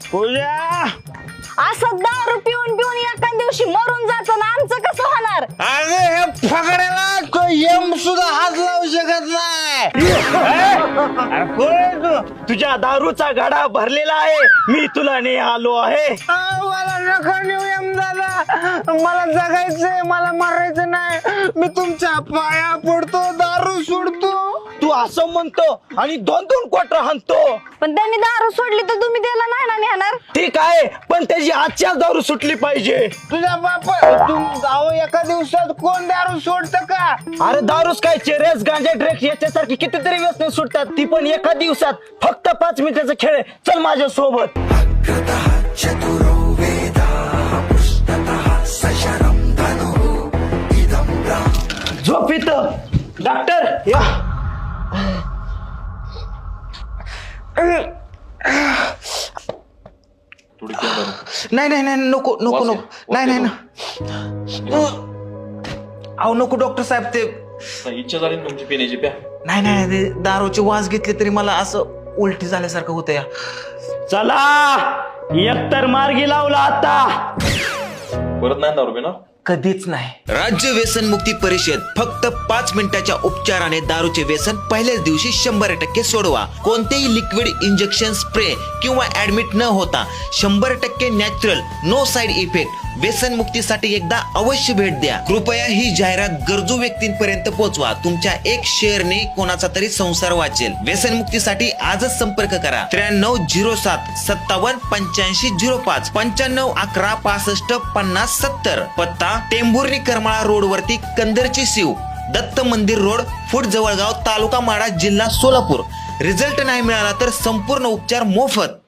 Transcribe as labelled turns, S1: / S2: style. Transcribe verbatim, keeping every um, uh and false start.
S1: पूजा
S2: असं दारू पिऊन पिऊन एका दिवशी मरून जातो ना, आमचं कसं होणार?
S1: अरे हे फकड्याला तो यम सुद्धा हात लावू शकत नाही. अरे कोण आहे तू? तुझ्या दारूचा गाडा भरलेला आहे, मी तुला नाही आलो आहे. मला नका नेऊ यम दादा, मला जगायचंय, मला मरायचं नाही. मी तुमच्या पाया पडतो, दारू सोडतो. तू असं म्हणतो आणि दोन दोन क्वार्टर हाणतो.
S2: पण त्यांनी दारू सोडली तर तुम्ही त्याला नाही ना नेणार?
S1: ठीक आहे, पण त्याची आजच्याच दारू सुटली पाहिजे. तुझ्या बाप जाऊ एका दिवसात कोण दारू सोडत का? अरे दारूच काय, चेरेस गांजा ड्रग्स याच्यासारखी कितीतरी व्यसने सुटतात, ती पण एका दिवसात. फक्त पाच मिनिटाचा खेळ आहे. चल माझ्या सोबत. झोप इथं. डॉक्टर या. नाही नाही नाही नको नको नको नाही नाही ना. अहो नको डॉक्टर साहेब, ते
S3: इच्छा झाली तुमची पिण्याची प्या.
S1: नाही नाही ते दारूची वास घेतली तरी मला असं उलटी झाल्यासारखं होतं या. चला एकतर मार्गी लावला आता.
S3: परत नाही दारू पिणार.
S1: कधीच नाही.
S4: राज्य व्यसन मुक्ती परिषद फक्त पाच मिनिटाच्या उपचाराने दारूचे व्यसन पहिल्याच दिवशी शंभर टक्के सोडवा. कोणतेही लिक्विड इंजेक्शन, स्प्रे किंवा ऍडमिट न होता शंभर टक्के नॅचरल, नो साइड इफेक्ट. व्यसन मुक्तीसाठी एकदा अवश्य भेट द्या. कृपया ही जाहिरात गरजू व्यक्तींपर्यंत पोहोचवा. तुमच्या एक शेअरने कोणाचा तरी संसार वाचेल. व्यसन मुक्तीसाठी आजच संपर्क करा. त्र्याण्णव झिरो सात सत्तावन्न पंच्याऐंशी झिरो पाच पंच्याण्णव अकरा पासष्ट पन्नास सत्तर. पत्ता टेंभुर्णी करमाळा रोड वरती कंदरची शिव, दत्त मंदिर रोड, फूट जवळगाव, तालुका माडा, जिल्हा सोलापूर. रिझल्ट नाही मिळाला तर संपूर्ण उपचार मोफत.